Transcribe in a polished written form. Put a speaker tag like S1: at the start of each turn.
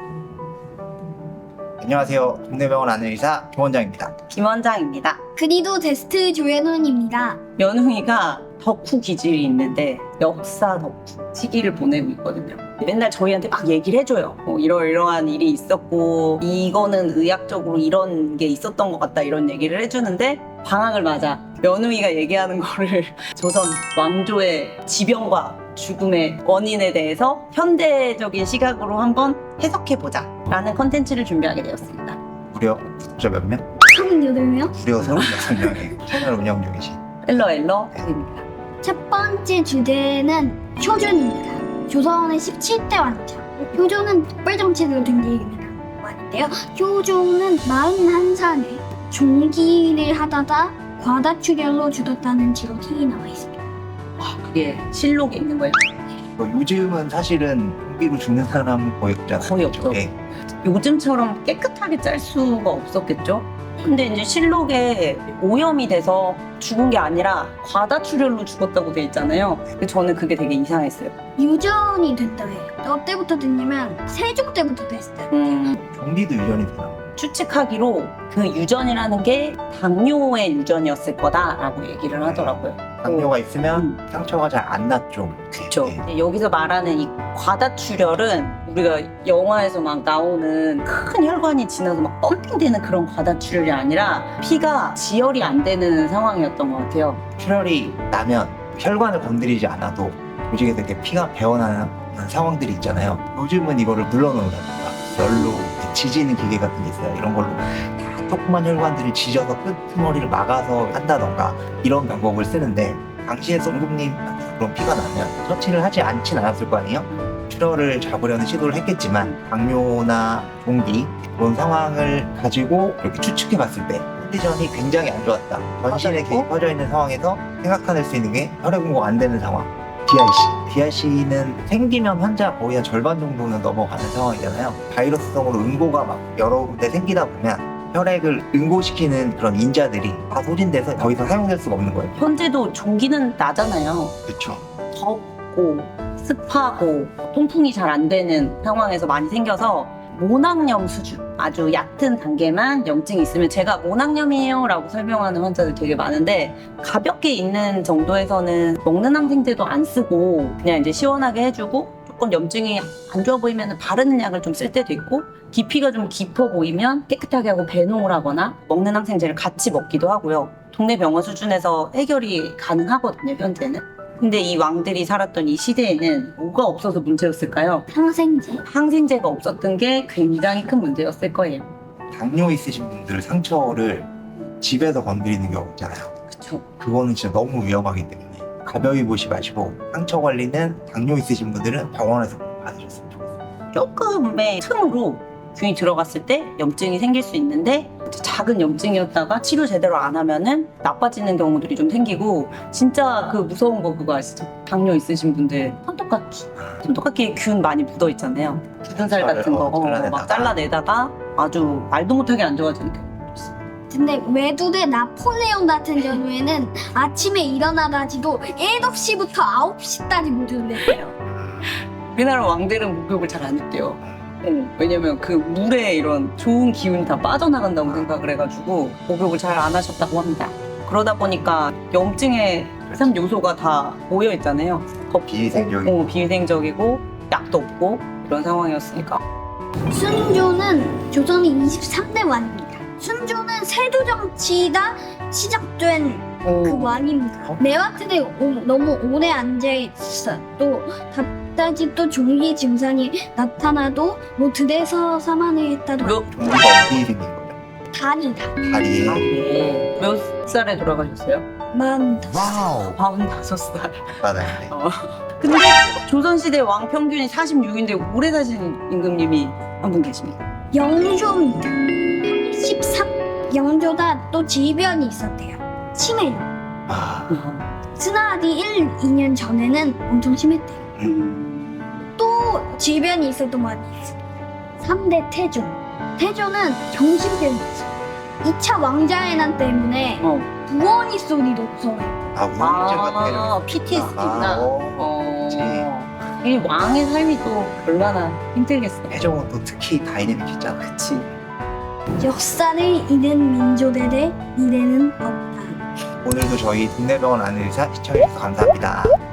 S1: 안녕하세요. 동네병원 안내의사 김원장입니다.
S2: 김원장입니다.
S3: 그리도 데스트 조현훈입니다.
S2: 연웅이가 덕후 기질이 있는데 역사 덕후 시기를 보내고 있거든요. 맨날 저희한테 막 얘기를 해줘요. 이러이러한 일이 있었고 이거는 의학적으로 이런 게 있었던 것 같다 이런 얘기를 해주는데 방학을 맞아 연웅이가 얘기하는 거를 조선 왕조의 지병과 죽음의 원인에 대해서 현대적인 시각으로 한번 해석해보자 라는 컨텐츠를 준비하게 되었습니다.
S1: 무려 구독자 몇 명?
S3: 38명?
S1: 무려 36명의 채널 운영 중이신
S2: 엘러입니다.
S3: 첫 번째 주제는 효준입니다. 조선의 17대 왕자. 효종은 특별정책으로 된 얘기라고 하는데요. 효종은 41살에 종기를 하다가 과다출혈로 죽었다는 기록이 나와 있습니다.
S2: 그게 실록에 있는 거예요.
S1: 요즘은 사실은 공기로 죽는 사람은 거의 없잖아요.
S2: 거의 없죠.
S1: 네.
S2: 요즘처럼 깨끗하게 짤 수가 없었겠죠? 근데 이제 실록에 오염이 돼서 죽은 게 아니라 과다출혈로 죽었다고 돼 있잖아요. 근데 저는 그게 되게 이상했어요.
S3: 유전이 됐다고 해요. 어때부터 됐냐면 세종 때부터 됐어요.
S1: 종기도 유전이 되나?
S2: 추측하기로 그 유전이라는 게 당뇨의 유전이었을 거다라고 얘기를 하더라고요.
S1: 당뇨가 있으면 상처가 잘 안 났죠.
S2: 그렇죠.
S1: 네.
S2: 여기서 말하는 이 과다출혈은 우리가 영화에서 막 나오는 큰 혈관이 지나서 막 펌핑되는 그런 과다출혈이 아니라 피가 지혈이 안 되는 상황이었던 것 같아요.
S1: 출혈이 나면 혈관을 건드리지 않아도 조직에서 이렇게 피가 배어나는 상황들이 있잖아요. 요즘은 이거를 눌러놓는다든가 열로 지지는 기계 같은 게 있어요. 이런 걸로 다 조그만 혈관들을 지져서 끄트머리를 막아서 한다던가 이런 방법을 쓰는데 당시에 성금님 그런 피가 나면 처치를 하지 않진 않았을 거 아니에요? 출혈을 잡으려는 시도를 했겠지만 당뇨나 종기 그런 상황을 가지고 이렇게 추측해 봤을 때 컨디션이 굉장히 안 좋았다. 전신에 계속 퍼져 있는 상황에서 생각해낼 수 있는 게 혈액 공급 안 되는 상황. DIC는 생기면 환자 거의 한 절반 정도는 넘어가는 상황이잖아요. 바이러스성으로 응고가 막 여러 군데 생기다 보면 혈액을 응고시키는 그런 인자들이 다 소진돼서 더 이상 사용될 수가 없는 거예요.
S2: 현재도 종기는 나잖아요.
S1: 그렇죠.
S2: 덥고 습하고 통풍이 잘 안 되는 상황에서 많이 생겨서 모낭염 수준 아주 얕은 단계만 염증이 있으면 제가 모낭염이에요 라고 설명하는 환자들 되게 많은데 가볍게 있는 정도에서는 먹는 항생제도 안 쓰고 그냥 이제 시원하게 해주고 조금 염증이 안 좋아 보이면 바르는 약을 좀 쓸 때도 있고 깊이가 좀 깊어 보이면 깨끗하게 하고 배농을 하거나 먹는 항생제를 같이 먹기도 하고요. 동네 병원 수준에서 해결이 가능하거든요, 현재는. 근데 이 왕들이 살았던 이 시대에는 뭐가 없어서 문제였을까요?
S3: 항생제.
S2: 항생제가 없었던 게 굉장히 큰 문제였을 거예요.
S1: 당뇨 있으신 분들 상처를 집에서 건드리는 경우 있잖아요.
S2: 그쵸?
S1: 그거는 진짜 너무 위험하기 때문에 가벼이 보시 마시고 상처 관리는 당뇨 있으신 분들은 병원에서 꼭 받으셨으면 좋겠어요.
S2: 조금의 틈으로 균이 들어갔을 때 염증이 생길 수 있는데 작은 염증이었다가 치료 제대로 안 하면은 나빠지는 경우들이 좀 생기고 진짜 그 무서운 거 그거 아시죠? 당뇨 있으신 분들 손톱깎이에 균 많이 묻어 있잖아요. 굳은 살 같은 거 막 잘라내다가 아주 말도 못하게 안 좋아지는 경우.
S3: 근데 외두대 나폴레옹 같은 경우에는 아침에 일어나가지고 7시부터 9시까지 목욕을 했대요.
S2: 우리나라 왕들은 목욕을 잘 안 했대요. 왜냐면 그 물에 이런 좋은 기운이 다 빠져나간다고 생각을 해가지고 목욕을 잘 안 하셨다고 합니다. 그러다 보니까 염증의 3 요소가 다 모여 있잖아요.
S1: 비위생적이고.
S2: 비위생적이고 약도 없고 이런 상황이었으니까.
S3: 순조는 조선의 23대 왕입니다. 순조는 세조 정치가 시작된 그 왕입니다. 매화틀에 너무 오래 앉아있어 또 답답지 또 종기 증상이 나타나도 뭐 들에서 사망을 했다도
S1: 종기가 어디 생긴 거예요?
S3: 다니다.
S1: 다리에.
S2: 몇 살에 돌아가셨어요?
S3: 45.
S1: 와우.
S2: 45살.
S1: 맞아요.
S2: 근데 조선시대 왕 평균이 46인데 오래 사신 임금님이 한 분 계십니다.
S3: 영조입니다. 13. 영조가 또 질병이 있었대요. 치매.
S1: 아,
S3: 스나디 1, 2년 전에는 엄청 심했대요. 또 질병이 있었던 거 아니에요. 3대 태조. 태조는 정신병이었어요. 2차 왕자의 난 때문에 부엉이 소리도 무서워요.
S1: 우울증 같은 거.
S2: PTSD구나.
S1: 그치.
S2: 이 왕의 삶이 또 얼마나 힘들겠어.
S1: 해적은 또 특히 다이내믹했잖아.
S2: 그치.
S3: 역사를 잃은 민족에 대해 미래는 없다.
S1: 오늘도 저희 동네병원 안의사 시청해주셔서 감사합니다.